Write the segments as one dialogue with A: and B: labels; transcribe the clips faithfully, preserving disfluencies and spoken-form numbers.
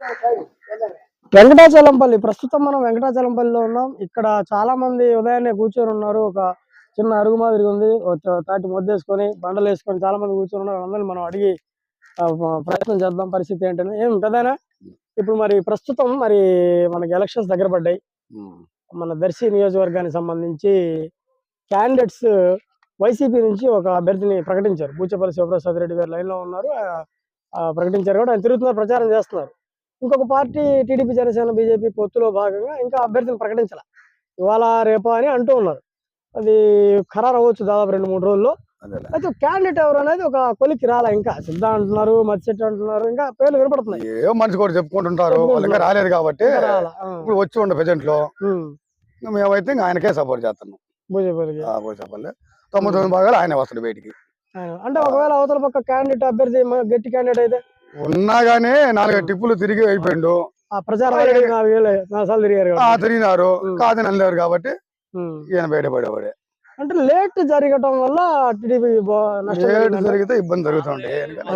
A: వెంకటాచలంపల్లి ప్రస్తుతం మనం వెంకటాచలంపల్లిలో ఉన్నాం. ఇక్కడ చాలా మంది ఉదయాన్నే కూర్చొని ఉన్నారు. ఒక చిన్న అరుగు మాదిరి ఉంది. ఒక తాటి మొద్దేసుకొని బండలు వేసుకొని చాలా మంది కూర్చొని ఉన్నారు. అందరిని మనం అడిగి ప్రయత్నం చేద్దాం పరిస్థితి ఏంటని. ఏం పెద్దనా ఇప్పుడు మరి ప్రస్తుతం మరి మనకి ఎలక్షన్స్ దగ్గర పడ్డాయి. మన దర్శి నియోజకవర్గానికి సంబంధించి క్యాండిడేట్స్ వైసీపీ నుంచి ఒక అభ్యర్థిని ప్రకటించారు. బూచేపల్లి శివప్రసాద్ రెడ్డి గారు లైన్ లో ఉన్నారు. ప్రకటించారు కూడా ఆయన తిరుగుతున్నారు, ప్రచారం చేస్తున్నారు. ఇంకొక పార్టీ టీడీపీ జనసేన బీజేపీ పొత్తులో భాగంగా ఇంకా అభ్యర్థిని ప్రకటించాల ఇవాళ రేపు అని అంటూ ఉన్నారు. అది ఖరారు అవ్వచ్చు దాదాపు రెండు మూడు రోజుల్లో. అయితే క్యాండిడేట్ ఎవరు అనేది ఒక కొలికి రాలా. ఇంకా సిద్ధ అంటున్నారు, మత్స్యెట్టి అంటున్నారు, ఇంకా పేర్లు వినపడుతున్నాయి.
B: ఏ మనిషి కూడా చెప్పుకుంటుంటారు, రాలేదు కాబట్టి ఇప్పుడు వచ్చి ఉండే ప్రెజెంట్ లో మేమైతే ఇంకా ఆయనకే సపోర్ట్ చేస్తున్నాం. బూచేపల్లికి బూచేపల్లి తొంభై తొమ్మిది భాగాలు ఆయన వస్తాడు బయటికి.
A: అంటే ఒకవేళ అవతల పక్క క్యాండిడేట్ అభ్యర్థి గట్టి క్యాండిడేట్ అయితే
B: ఉన్నా గానీ నాలుగు టిప్పులు తిరిగి అయిపోయిండు.
A: ప్రచారం
B: తిరిగినారు కాదని అనలేరు కాబట్టి ఈయన బయటపడేవాడే.
A: అంటే లేట్ జరగటం వల్ల టీడీపీ
B: లేట్ జరిగితే ఇబ్బంది జరుగుతుంది.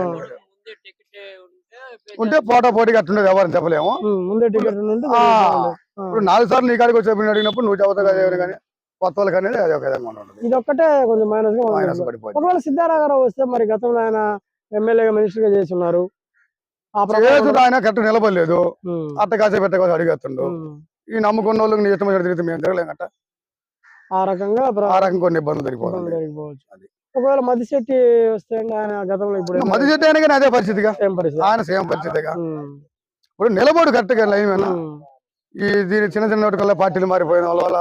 B: ఉంటే పోటా పోటీగా అట్టుండేది ఎవరిని చెప్పలేము.
A: ముందే టికెట్
B: ఇప్పుడు నాలుగు సార్లు నీ కాడికి వచ్చి అడిగినప్పుడు నువ్వు చెబుతా కదా కానీ కొత్త వాళ్ళకి అనేది అది ఒక విధంగా ఉంటుంది.
A: ఇది ఒక్కటే కొంచెం మైనస్ మైనస్ పడిపోయింది. ఒకవేళ సిద్ధారాఘరావు వస్తే మరి గతంలో ఆయన ఎమ్మెల్యేగా మినిస్టర్ గా చేసి ఉన్నారు.
B: ఆయన కరెక్ట్ నిలబడలేదు, అట్ట కాసే పెట్ట కాదు అడిగేస్తుండు. ఈ నమ్ముకున్న వాళ్ళకి నీ ఇష్టం తిరిగితే మేము తిరగలేం.
A: ఆ రకంగా
B: ఆ రకం కొన్ని ఇబ్బందులు జరిగిపోతుంది.
A: అది ఒకవేళ మదిశెట్టి వస్తే ఆయన గతంలో ఇప్పుడు
B: మదిశెట్టి అయినా కానీ అదే పరిస్థితిగా ఆయన సేమ్ పరిస్థితిగా ఇప్పుడు నిలబడు కరెక్ట్ గా లైన్ మీద. ఈ దీని చిన్న చిన్న పార్టీలు మారిపోయిన వల్ల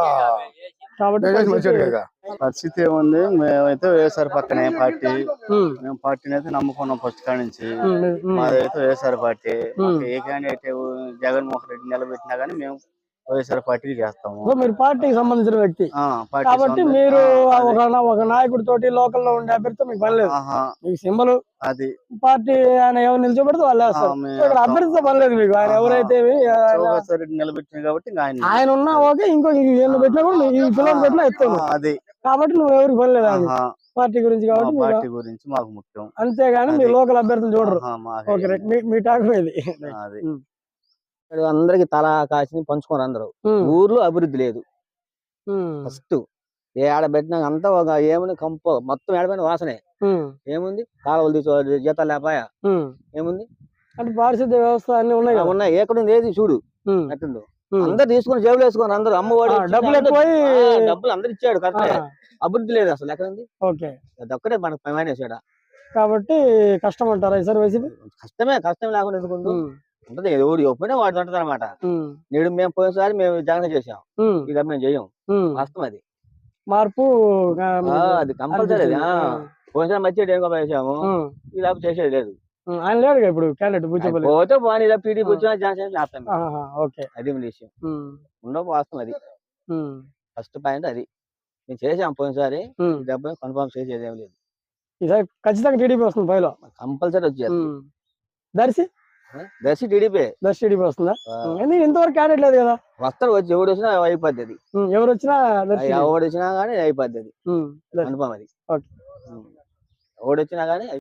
C: పరిస్థితి ఏముంది, మేమైతే వేసారు పక్కనే పార్టీ. మేము పార్టీని అయితే నమ్ముకున్నాం ఫస్ట్ కాడి నుంచి. మాదైతే వేసారు పార్టీ. ఏ క్యాండిడేట్ జగన్మోహన్ రెడ్డి నిలబెట్టినా గానీ మేము వైఎస్ఆర్ పార్టీకి చేస్తాము.
A: మీరు పార్టీకి సంబంధించిన వ్యక్తి కాబట్టి మీరు ఒక నాయకుడి తోటి లోకల్ లో ఉండే అభ్యర్థి మీకు పని లేదు. మీకు సింబల్
C: అది
A: పార్టీ ఆయన ఎవరు నిల్చోబెడితే వాళ్ళు వేస్తారు. అభ్యర్థితో పని లేదు మీకు. ఆయన ఎవరైతే
C: నిలబెట్టిన కాబట్టి
A: ఆయన ఉన్నా ఓకే, ఇంకో ఈయన పెట్టినా కూడా ఈ పిల్లలు పెట్టినా ఎత్తాను.
C: అది
A: కాబట్టి నువ్వు ఎవరికి పని లేదు అది పార్టీ గురించి కాబట్టి
C: పార్టీ గురించి మాకు ముఖ్యం.
A: అంతేగాని మీ లోకల్ అభ్యర్థిని చూడరు. ఓకే, మీ టాక్ ఇది.
D: అందరికి తల కాసి పంచుకోరు. అందరూ ఊర్లో అభివృద్ధి లేదు. ఫస్ట్ ఏ ఆడ పెట్టినా అంతా ఒక ఏముంది కంప మొత్తం ఏడపైన వాసనే. ఏముంది కాలువలు తీసుకోవాలి, జీతాలు లేపాయా ఏముంది
A: అంటే పారిశుద్ధ్య వ్యవస్థ అన్ని ఉన్నాయి
D: ఉన్నాయి. ఎక్కడుంది ఏది చూడు ఎట్టుందో. అందరు తీసుకుని జేబులు వేసుకున్నారు. అందరూ అమ్మవాడు
A: డబ్బులు
D: డబ్బులు అందరు ఇచ్చాడు. కరెక్ట్ అభివృద్ధి లేదు అసలు. ఎక్కడుంది?
A: ఓకే,
D: అదొక్కటే మనకు పైన
A: కాబట్టి కష్టం అంటారా సార్ వైసీపీ?
D: కష్టమే, కష్టం లేకుండా ఎందుకుంటు ఉంటది. ఎవరు ఒప్పినా వాడు ఉంటది అనమాట. నేడు మేము పోయినసారి మేము జగన్ చేసాం, ఇక మేము చెయ్యం. వాస్తవం అది.
A: మార్పు
D: అది కంపల్సరీ. పోయినసారి మధ్య ఏం వేసాము, ఇలా చేసేది లేదు.
A: ఆయన లేడు ఇప్పుడు క్యాండిడేట్
D: పోతే పోనీ ఇలా టీడీపీ వచ్చినా జనసేన చేస్తాం. అది విషయం ఉండవు. వాస్తవం అది. ఫస్ట్ పాయింట్ అది. మేము చేసాం పోయినసారి, డబ్బు కన్ఫర్మ్ చేసేది ఏం లేదు.
A: ఈసారి ఖచ్చితంగా టీడీపీ వస్తుంది. పైలో
D: కంపల్సరీ వచ్చేది.
A: దర్శి
D: దర్శి టీడీపీ
A: దర్శి టీడీపీ వస్తుందా? ఇంతవరకు క్యాండిడేట్ లేదు కదా.
D: వస్తారు, వచ్చి ఎవడు వచ్చినా అయిపోద్ది అది.
A: ఎవరు వచ్చినా
D: ఎవడు వచ్చినా గానీ అయిపోద్ది అది. కన్ఫర్మ్ అది. ఎవడు వచ్చినా గానీ